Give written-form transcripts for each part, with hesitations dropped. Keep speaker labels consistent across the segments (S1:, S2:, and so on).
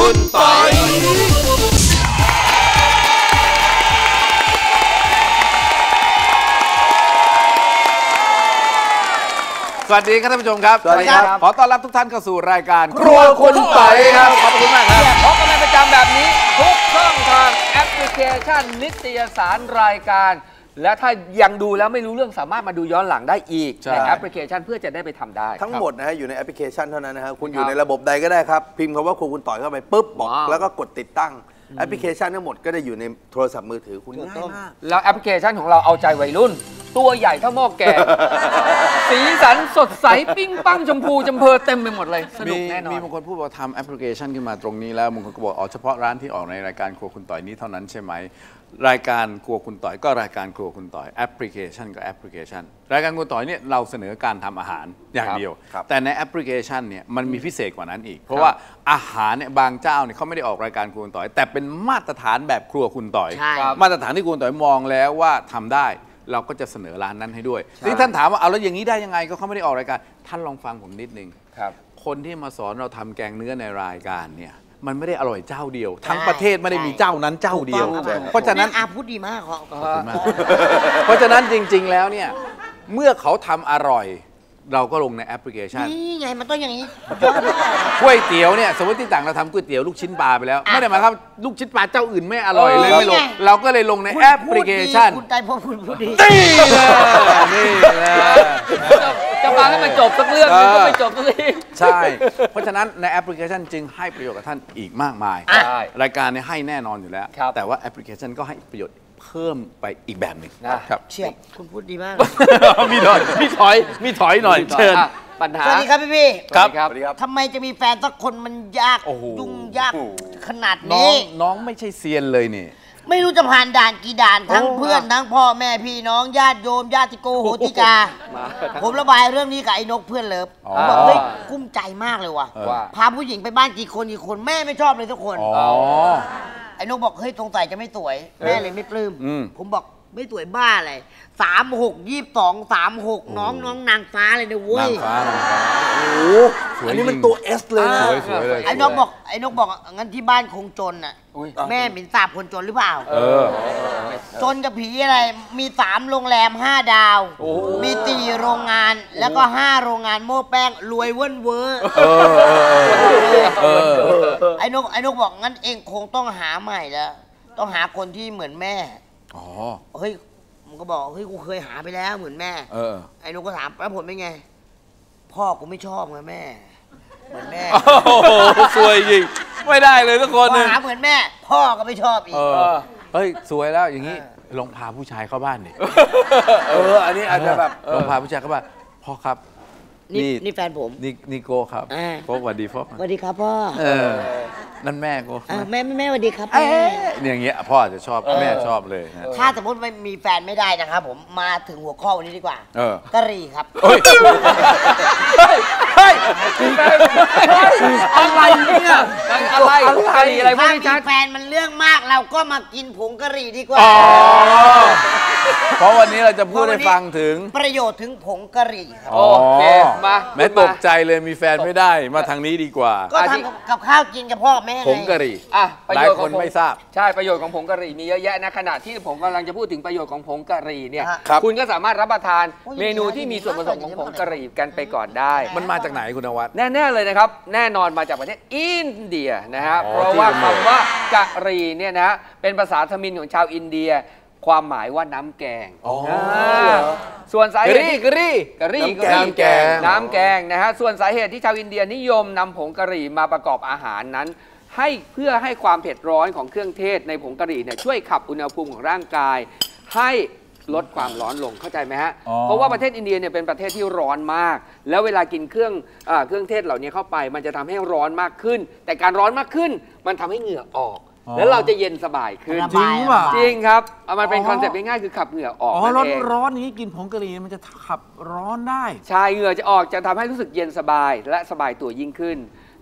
S1: คุณปอยสวัสดีครับท่านผู้ชมครับสวัสดีครับขอต้อนรับทุกท่านเข้าสู่รายการครัวคุณปอยครับขอบคุณมากครับพบกันเป็นประจำแบบนี้ทุกช่องทางแอปพลิเคชันนิตยสารรายการและถ้ายังดูแล้วไม่รู้เรื่องสามารถมาดูย้อนหลังได้อีกในแอปพลิเคชันเพื่อจะได้ไปทำได้
S2: ทั้งหมดนะฮะอยู่ในแอปพลิเคชันเท่านั้นนะฮะคุณอยู่ในระบบใดก็ได้ครับพิมพ์คำว่าครัวคุณต่อยเข้าไปปุ๊บบอกแล้วก็กดติดตั้งแอปพลิเคชันทั้งหมดก็ได้อยู่ในโทรศัพท์มือถือคุณง่ายมาก
S1: แล้วแอปพลิเคชันของเราเอาใจวัยรุ่นตัวใหญ่เท่าหม้อแกงสีสันสดใสปิ้งปังชมพูจำเพอเต็มไปหมดเลยสนุกแน่นอน
S3: มีบางคนพูดว่าทำแอปพลิเคชันขึ้นมาตรงนี้แล้วบางคนก็บอกเฉพาะร้านที่ออกในรายการครัวคุณต่อยนี้เท่านั้นใช่ไหมรายการครัวคุณต่อยก็รายการครัวคุณต่อยแอปพลิเคชันก็แอปพลิเคชันรายการครัวต่อยเนี่ยเราเสนอการทำอาหารอย่างเดียวแต่ในแอปพลิเคชันเนี่ยมันมีพิเศษกว่านั้นอีกเพราะว่าอาหารเนี่ยบางเจ้าเนี่ยเขาไม่ได้ออกรายการครัวคุณต่อยแต่เป็นมาตรฐานแบบครัวคุณต่อยมาตรฐานที่ครัวคุณต่อยมองแล้วว่าทำได้เราก็จะเสนอร้านนั้นให้ด้วยที่ท่านถามว่าเอาแล้วอย่างนี้ได้ยังไงก็เขาไม่ได้ออกรายการท่านลองฟังผมนิดนึงคนที่มาสอนเราทำแกงเนื้อในรายการเนี่ยมันไม่ได้อร่อยเจ้าเดียวทั้งประเทศไม่ได้มีเจ้านั้นเจ้าเดียวเพราะฉะนั้น
S4: พูดดีมากขอบ
S3: คุณมากเพราะฉะนั้นจริงๆแล้วเนี่ยเมื่อเขาทำอร่อยเราก็ลงในแอปพลิเคชัน
S4: นี่ไงมันต้องอย่างนี้
S3: ก๋วยเตี๋ยวเนี่ยสมมติที่ต่างเราทำก๋วยเตี๋ยวลูกชิ้นปลาไปแล้วไม่ได้หมายความลูกชิ้นปลาเจ้าอื่นไม่อร่อยเลยไม่ลงเราก็เลยลงในแอปพลิเคชัน
S4: คุณใจพอคุณพูดดี
S3: นี่นะ
S1: จะฟังให้มันจบสักเรื่องนึงก็ไม่จบสักที
S3: ใช่เพราะฉะนั้นในแอปพลิเคชันจึงให้ประโยชน์กับท่านอีกมากมายรายการเนี่ยให้แน่นอนอยู่แล้วแต่ว่าแอปพลิเคชันก็ให้ประโยชน์เพิ่มไปอีกแบบหนึ่ง
S4: นะครับเชียบคุณพูดดีมาก
S3: มีถอยหน่อยเชิญ
S1: ปัญหา
S4: สวัสดีครับพี่
S3: ครับ
S4: ทำไมจะมีแฟนสักคนมันยากยุ่งยากขนาดนี้
S3: น้องไม่ใช่เซียนเลยนี่
S4: ไม่รู้จะผ่านด่านกี่ด่านทั้งเพื่อนทั้งพ่อแม่พี่น้องญาติโยมญาติโกโหติกาผมระบายเรื่องนี้กับไอ้นกเพื่อนเลิฟบอกเฮ้ยกุ้มใจมากเลยว่ะพาผู้หญิงไปบ้านกี่คนแม่ไม่ชอบเลยทุกคนไอ้นกบอกเฮ้ยสงสัยจะไม่สวยแม่เลยไม่ปลื้มผมบอกไม่สวยบ้าอะไร36 22 36น้องนางฟ้าเลยนะเว้ย
S3: นางฟ้า
S2: โอ้โหอันนี้มันตัว S เลยนะ
S3: สวยเลย
S4: ไอ้นกบอกงั้นที่บ้านคงจนอ่ะแม่เป็นสาบคนจนหรือเปล่าจนกับผีอะไรมี3โรงแรม5 ดาวมี4โรงงานแล้วก็5โรงงานโม้แป้งรวยเว้นเวอร์ไอ้นกบอกงั้นเองคงต้องหาใหม่แล้วต้องหาคนที่เหมือนแม่เฮ้ยมันก็บอกเฮ้ยกูเคยหาไปแล้วเหมือนแม่ไอ้นกก็ถามแล้วผลเป็นไงพ่อกูไม่ชอบไงแม่เหมือนแม่
S3: โอ้โหสวยจริงไม่ได้เลยทุกคน
S4: หาเหมือนแม่พ่อก็ไม่ชอบอีก
S3: เฮ้ยสวยแล้วอย่างนี้ลองพาผู้ชายเข้าบ้านดิ
S2: อันนี้อาจจะแบบ
S3: ลองพาผู้ชายเข้าบ้านพ่อครับ
S4: นี่แฟนผม
S3: นี่โกครับโฟกสวัสดีโฟก
S4: สวัสดีครับพ่อ
S3: นั่นแม่โก
S4: แม่สวัสดีครับ
S3: อย่างเงี้ยพ่อจะชอบแม่ชอบเลย
S4: ถ้าสมมติไม่มีแฟนไม่ได้นะครับผมมาถึงหัวข้อวันนี้ดีกว่ากะหรี่ครับ
S1: อะไรเนี่ยอะไร
S4: ถ้ามีแฟนมันเรื่องมากเราก็มากินผงกะหรี่ดีกว่า
S3: เพราะวันนี้เราจะพูดให้ฟังถึง
S4: ประโยชน์ถึงผงกะหรี่ครับ
S1: โอเคมา
S3: แม่ตกใจเลยมีแฟนไม่ได้มาทางนี้ดีกว่า
S4: ก็ทำกับข้าวกินกับพ่อแม่
S3: ผงกะหรี่
S1: หลายคน
S3: ไม่ทราบ
S1: ใช่ประโยชน์ของผงกะหรี่มีเยอะแยะนะขณะที่ผมกำลังจะพูดถึงประโยชน์ของผงกะหรี่เนี่ยคุณก็สามารถรับประทานเมนูที่มีส่วนผสมของผงกะหรี่กันไปก่อนได้
S3: มันมาจากไหนคุณนวัด
S1: แน่ๆเลยนะครับแน่นอนมาจากประเทศอินเดียนะฮะเพราะว่าคำว่ากะหรี่เนี่ยนะเป็นภาษาทมิฬของชาวอินเดียความหมายว่าน้ำแกงส่วนสาเหตุกะหรี่น้ำแกงนะฮะส่วนสาเหตุที่ชาวอินเดียนิยมนำผงกะหรี่มาประกอบอาหารนั้นเพื่อให้ความเผ็ดร้อนของเครื่องเทศในผงกะหรี่เนี่ยช่วยขับอุณหภูมิของร่างกายให้ลดความร้อนลงเข้าใจไหมฮะเพราะว่าประเทศอินเดียเนี่ยเป็นประเทศที่ร้อนมากแล้วเวลากินเครื่องเทศเหล่านี้เข้าไปมันจะทำให้ร้อนมากขึ้นแต่การร้อนมากขึ้นมันทำให้เหงื่อออกแล้วเราจะเย็นสบายขึ้น
S3: จริงป่ะ
S1: จริงครับมันเป็นคอนเซ็ปต์ง่ายๆคือขับเหงื่อออก
S3: ร้อนนี้กินผงกะหรี่มันจะขับร้อนได้
S1: ใช่เหงื่อจะออกจะทำให้รู้สึกเย็นสบายและสบายตัวยิ่งขึ้น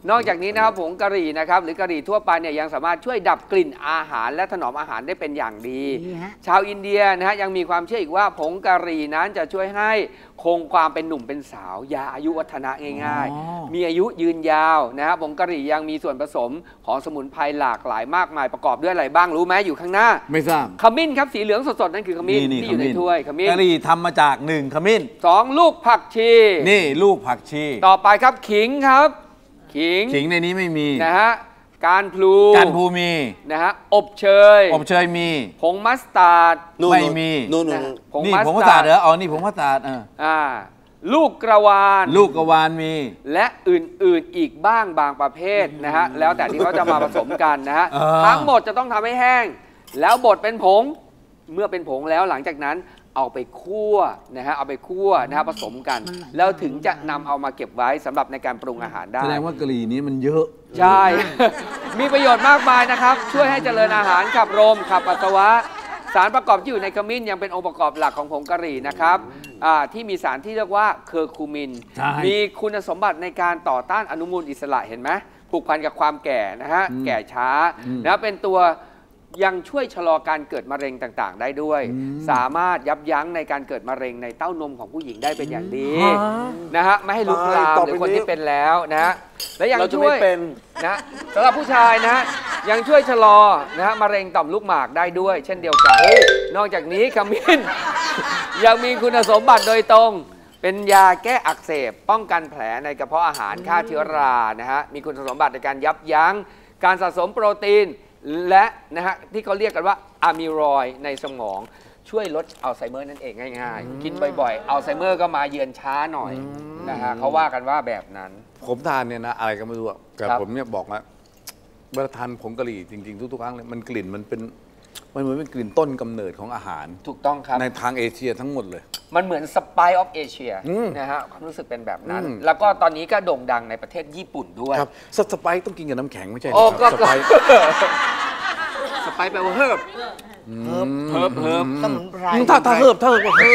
S1: นอกจากนี้นะครับผงกะหรี่นะครับหรือกะหรี่ทั่วไปเนี่ยยังสามารถช่วยดับกลิ่นอาหารและถนอมอาหารได้เป็นอย่างดี ชาวอินเดียนะฮะยังมีความเชื่ออีกว่าผงกะหรี่นั้นจะช่วยให้คงความเป็นหนุ่มเป็นสาวยาอายุวัฒนะง่ายๆมีอายุยืนยาวนะฮะผงกะหรี่ยังมีส่วนผสมของสมุนไพรหลากหลายมากมายประกอบด้วยอะไรบ้างรู้ไหมอยู่ข้างหน้า
S3: ไม่ทราบ
S1: ขมิ้นครับสีเหลืองสดๆนั่นคือขมิ้นที่อยู่ในถ้วยขมิ้น
S3: กะหรี่ทำมาจาก1ขมิ้น
S1: 2ลูกผักชี
S3: นี่ลูกผักชี
S1: ต่อไปครับขิงครับขิง
S3: ในนี้ไม่มี
S1: นะฮะการพลู
S3: มี
S1: นะฮะอบเชย
S3: มี
S1: ผงมัสตาร์ด
S3: ไม่มีนี่ผงมัสตาร์ดเหรออ๋อนี่ผงมัสตาร์ด
S1: ลูกกระวาน
S3: มี
S1: และอื่นๆอีกบ้างบางประเภทนะฮะแล้วแต่ที่เขาจะมาผสมกันนะฮะทั้งหมดจะต้องทำให้แห้งแล้วบดเป็นผงเมื่อเป็นผงแล้วหลังจากนั้นเอาไปคั่วนะฮะเอาไปคั่วนะฮะผสมกันแล้วถึงจะนำเอามาเก็บไว้สำหรับในการปรุงอาหารได้
S3: แสดงว่ากะหรี่นี้มันเยอะ
S1: ใช่ มีประโยชน์มากมายนะครับช่วยให้เจริญอาหารขับลมขับปัสสาวะสารประกอบที่อยู่ในขมิ้นยังเป็นองค์ประกอบหลักของผงกะหรี่นะครับที่มีสารที่เรียกว่าเคอร์คูมินมีคุณสมบัติในการต่อต้านอนุมูลอิสระเห็นไหมผูกพันกับความแก่นะฮะแก่ช้านะเป็นตัวยังช่วยชะลอการเกิดมะเร็งต่างๆได้ด้วยสามารถยับยั้งในการเกิดมะเร็งในเต้านมของผู้หญิงได้เป็นอย่างดีนะฮะไม่ให้ลุกลามหรือคนที่เป็นแล้วนะและยังช่วยนะสำหรับผู้ชายนะยังช่วยชะลอนะมะเร็งต่อมลูกหมากได้ด้วยเช่นเดียวกันนอกจากนี้ขมิ้นยังมีคุณสมบัติโดยตรงเป็นยาแก้อักเสบป้องกันแผลในกระเพาะอาหารฆ่าเชื้อรานะฮะมีคุณสมบัติในการยับยั้งการสะสมโปรตีนและนะฮะที่เขาเรียกกันว่าอะมิรอยด์ในสมองช่วยลดอัลไซเมอร์นั่นเองง่ายๆกินบ่อยๆอัลไซเมอร์ก็มาเยือนช้าหน่อยนะฮะเขาว่ากันว่าแบบนั้น
S3: ผมทานเนี่ยนะอะไรก็ไม่รู้แต่ผมเนี่ยบอกว่าเวลาทานผงกะหรี่จริงๆทุกๆครั้งเลยมันกลิ่นมันเหมือนเป็นกลิ่นต้นกำเนิดของอาหาร
S1: ถูกต้องครับ
S3: ในทางเอเชียทั้งหมดเลย
S1: มันเหมือนสไปซ์ออฟเอเชียนะฮะความรู้สึกเป็นแบบนั้นแล้วก็ตอนนี้ก็โด่งดังในประเทศญี่ปุ่นด้วย
S3: ครับสไปซ์ต้องกินกับน้ำแข็งไม่ใช่
S1: โอ้ก็สไปซ์แปลว่าเฮิร์บ
S4: สมุนไพร
S3: ถ้าเฮิร์บ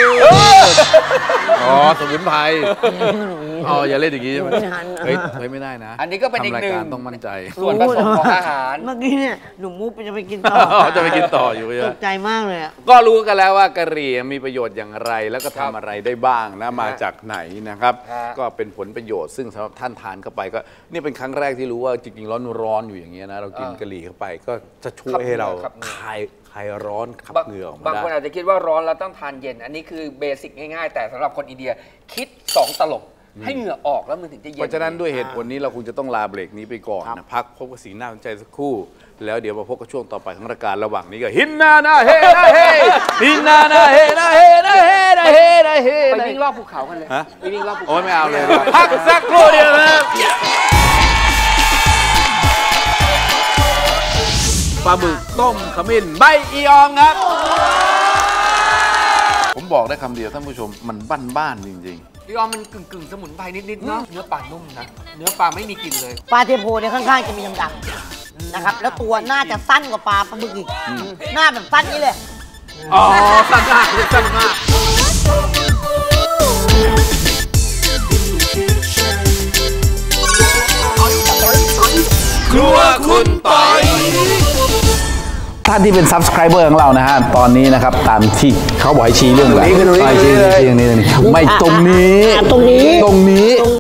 S3: อ๋อสมุนไพรอ๋ออย่าเล่นอย่างนี้ใช่ไหมเฮ้ยไม่ได้นะ
S1: อันนี้ก็เป็นอีกหนึ่ง
S3: ต้องมั่นใจ
S1: ส่วนผสมของอาหาร
S4: เมื่อกี้เนี่ยหนุ่มมุกจะไปกินต่อ
S3: จะไปกินต่ออยู่
S4: ตกใจมากเลย
S3: ก็รู้กันแล้วว่ากะหรี่มีประโยชน์อย่างไรแล้วก็ทำอะไรได้บ้างนะมาจากไหนนะครับก็เป็นผลประโยชน์ซึ่งสำหรับท่านทานเข้าไปก็นี่เป็นครั้งแรกที่รู้ว่าจริงๆร้อนอยู่อย่างเงี้ยนะเรากินกะหรี่เข้าไปก็จะช่วยให้เราคลายร้อนขับเหงื่อออกมาได้
S1: บางคนอาจจะคิดว่าร้อนแล้วต้องทานเย็นอันนี้คือเบสิกง่ายๆแต่สำหรับคนอินเดียคิด2 ตลบให้เหงื่อออกแล้วมันถึงจะเย็น
S3: เพราะฉะนั้นด้วยเหตุผลนี้เราคงจะต้องลาเบรกนี้ไปก่อนนะพักพบกับสีหน้าสนใจสักครู่แล้วเดี๋ยวมาพบกับช่วงต่อไปของรายการระหว่างนี้ก็ฮินนานาเฮนาเฮฮินนานาเฮนาเฮนาเฮนาเฮนาเฮ
S1: ไปวิ่งรอบภูเขากันเลยไปวิ่งรอบภูเขา
S3: โอ้ยไม่เอาเลยพักสักครู่เดียวครับปลาหมึกต้มขมิ้นใบอีออมครับผมบอกได้คำเดียวท่านผู้ชมมันบ้านๆจริง
S1: ๆอีออมมันกึ่งสมุนไพรนิดๆเนาะเนื้อปลานุ่มนะเนื้อปลาไม่มีกลิ่นเลย
S4: ปลาเทโพเนี่ยข้างๆจะมีดำๆนะครับแล้วตัวน่าจะสั้นกว่าปลาหมึกอีกหน้าแบบสั้นนี้เลย
S1: อ๋อสั้นมากสั้นมาก
S3: ครัวคุณปอยท่านที่เป็น Subscriber ของเรานะฮะตอนนี้นะครับตามที่เขาบอกให้ชี้เรื่องอะไรชี้ไม่ตรงนี้